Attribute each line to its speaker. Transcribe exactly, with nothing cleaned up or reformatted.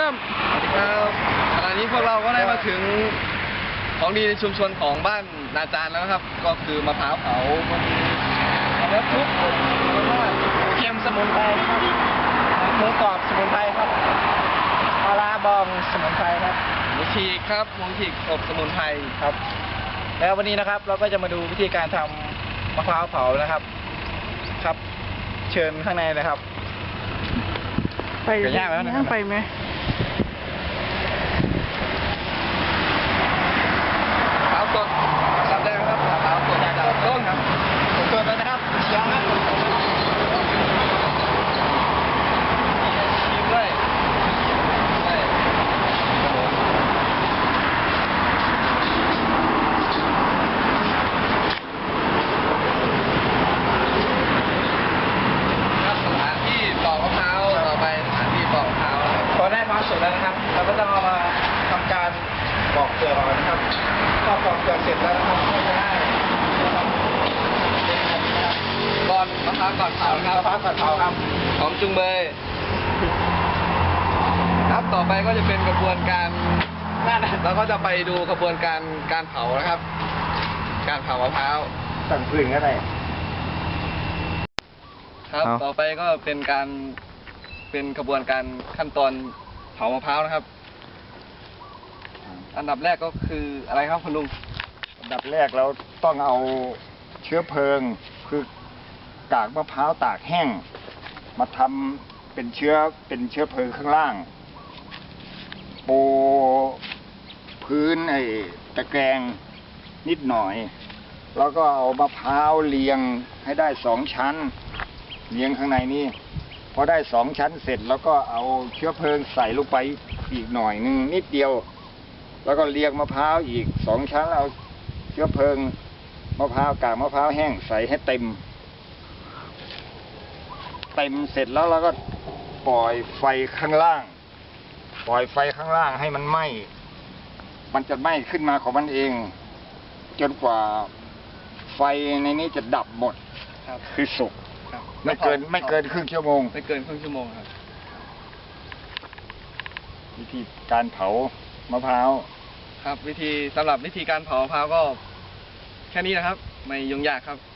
Speaker 1: ริ่ม
Speaker 2: ครับขณะนี้พวกเราก็ได้มาถึงของดีในชุมชนของบ้านนาจารแล้วนะครับ ก็คือมะพร้าวเผาแล้วทุกอบมาก
Speaker 1: เค็มสมุนไพรครับหมูกรอบสมุนไพรครับปลาร้าบองสมุนไพรครับ
Speaker 2: หมูฉีกครับหมูฉีกอบสมุนไพร
Speaker 1: ครับ แล้ววันนี้นะครับเราก็จะมาดูวิธีการทำมะพร้าวเผานะครับครับ เชิญข้างในเลยครับ
Speaker 3: ไป
Speaker 1: เดี๋ยวยากแล้วนะครับ
Speaker 3: ไปไหม
Speaker 2: มะพร้าวสดทำได้ไหมครับมะพร้าวสดจากต้นครับ
Speaker 1: ผมเปิดแล้วนะครับเชียงนะ
Speaker 2: ชิมด้วยใช่ครับผมครับสถานที่ปอกมะพร้าวต่อไปสถานที่ปอกมะพร้าวนะครับ
Speaker 1: พอได้มะพร้าวสุกแล้วนะครับ เราก็ต้องเอามาทำการปอกเปลือกออกนะครับพอปอกเปลือกเสร็จแล้วนะครับก็จะได้นะครับ
Speaker 2: ก่อนมะพร้าวก่อนเผานะค
Speaker 1: มะ
Speaker 2: รับ
Speaker 1: พร้าวผัดเผาครับ
Speaker 2: หอมจุงเบยครับต่อไปก็จะเป็นกระบวนการ
Speaker 1: นั่นนะ
Speaker 2: เราก็จะไปดูกระบวนการการเผานะครับ การเผามะพร้าว
Speaker 1: สั่งพื้นก็ได้
Speaker 2: ครับ
Speaker 1: เอา
Speaker 2: ต่อไปก็เป็นการเป็นกระบวนการขั้นตอนเผามะพร้าวนะครับ อันดับแรกก็คืออะไรครับคุณลุง
Speaker 4: อันดับแรกเราต้องเอาเชื้อเพลิง คือกากมะพร้าวตากแห้ง มาทำเป็นเชื้อเป็นเชื้อเพลิงข้างล่าง ปูพื้นไอ้ตะแกรงนิดหน่อย แล้วก็เอามะพร้าวเรียงให้ได้สองชั้นเรียงข้างในนี่พอได้สองชั้นเสร็จ แล้วก็เอาเชื้อเพลิงใส่ลงไปอีกหน่อยหนึงนิดเดียว แล้วก็เรียงมะพร้าวอีกสองชั้นเอาเชื้อเพลิงมะพร้าวกากมะพร้าวแห้งใส่ให้เต็ม เต็มเสร็จแล้วเราก็ปล่อยไฟข้างล่าง ปล่อยไฟข้างล่างให้มันไหม้มันจะไหม้ขึ้นมาของมันเอง จนกว่าไฟในนี้จะดับหมด
Speaker 2: ครับ
Speaker 4: คือสุก
Speaker 2: ครับ
Speaker 4: ไม่เกินไม่เกินครึ่งชั่วโมง
Speaker 2: ไม่เกินครึ่งชั่วโมงครับ
Speaker 4: วิธีการเผามะพร้าว
Speaker 2: ครับ วิธีสำหรับวิธีการเผามะพร้าวก็แค่นี้นะครับ ไม่ยุ่งยากครับ